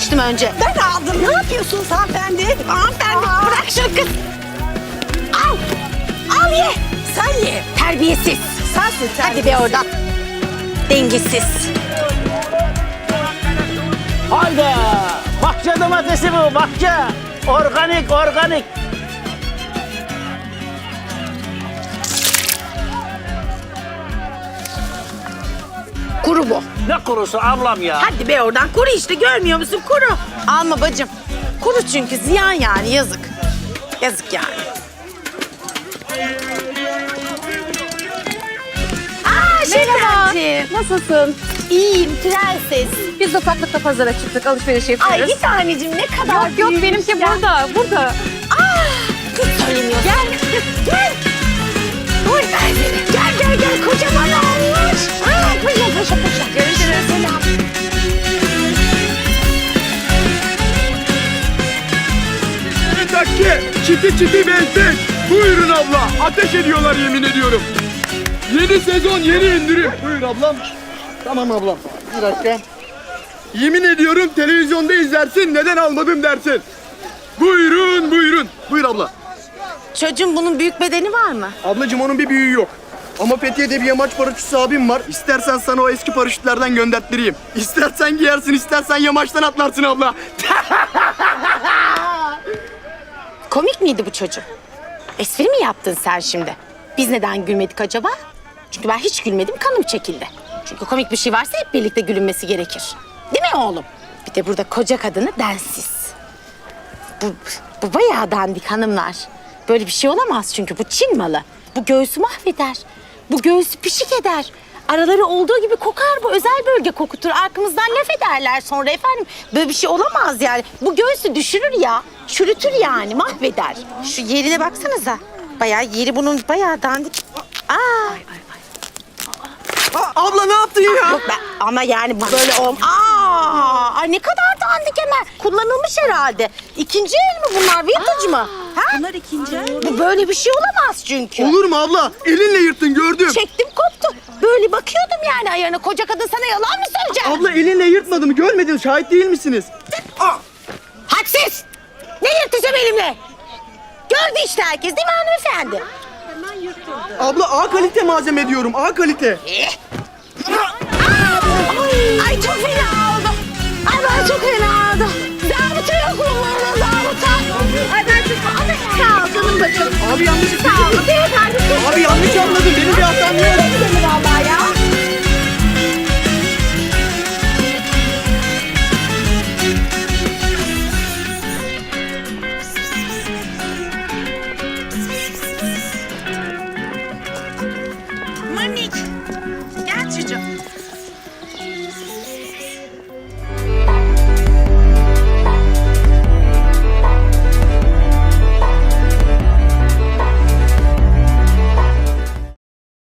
demiştim önce. Ben aldım. Ne yapıyorsunuz hanımefendi? Hanımefendi bırak şu kız. Al. Al ye. Sen ye. Terbiyesiz. Sensin Hadi be oradan. Dengesiz. Hayda! Bahçe domatesi bu, bahçe. Organik, organik. Kuru bu. Ne kurusu ablam ya? Hadi be oradan. Kuru işte görmüyor musun? Kuru. Alma bacım. Kuru çünkü ziyan yani yazık. Yazık yani. Merhaba. Nasılsın? İyiyim prenses. Biz de ufaklıkla pazara çıktık, alışveriş yapıyoruz. Ay bir tanecim ne kadar Yok yok, benimki burada, burada. Hiç söylemiyorsun. Gel. Gel. Dur ben seni. Gel. Kocaman olmuş. Paşa. Görüşürüz. Selam. Bir dakika, çiti benzin. Buyurun abla, ateş ediyorlar yemin ediyorum. Yeni sezon, yeni indirim. Buyur ablam. Tamam ablam, bir dakika. Yemin ediyorum televizyonda izlersin, neden almadım dersin. Buyurun. Buyur abla. Çocuğum bunun büyük bedeni var mı? Ablacığım onun bir büyüğü yok. Ama Fethiye'de bir yamaç paraşütçüsü abim var. İstersen sana o eski paraşütlerden gönderttireyim. İstersen giyersin, istersen yamaçtan atlarsın abla. Komik miydi bu çocuk? Espri mi yaptın sen şimdi? Biz neden gülmedik acaba? Çünkü ben hiç gülmedim, kanım çekildi. Çünkü komik bir şey varsa hep birlikte gülünmesi gerekir. Değil mi oğlum? Bir de burada koca kadını densiz. Bu bayağı dandik hanımlar. Böyle bir şey olamaz çünkü bu Çin malı. Bu göğsü mahveder. Bu göğsü pişik eder. Araları olduğu gibi kokar, bu özel bölge kokutur. Arkamızdan laf ederler sonra efendim. Böyle bir şey olamaz yani. Bu göğsü düşürür ya. Çürütür yani, mahveder. Şu yerine baksanıza. Bayağı yeri bunun bayağı dandik. Abla ne yaptın ya? Yok ama yani bu böyle Ay ne kadar dandik hemen. Kullanılmış herhalde. İkinci el mi bunlar? Vintage mı? Ha? Bunlar ikinci el. Bu böyle bir şey olamaz çünkü. Olur mu abla? Elinle yırttın gördüm. Çektim koptu. Böyle bakıyordum yani ayağına. Koca kadın sana yalan mı söyleyecek? Abla elinle yırtmadım görmedin, şahit değil misiniz? Hadsiz! Ne yırtacağım elimle? Gördü işte herkes değil mi hanımefendi? Abla A kalite malzeme diyorum, A kalite. Ay çok fena oldu. Ay ben çok fena oldu. Zabıta yok mu burada zabıta? Ay ben çok... Sağ ol canım bacım. Abi yanlış Sağ ol. Beyefendi. Abi yanlış anladın, benim bir hatam yok. Gidelim vallahi ya. Manik. Gel çocuğum.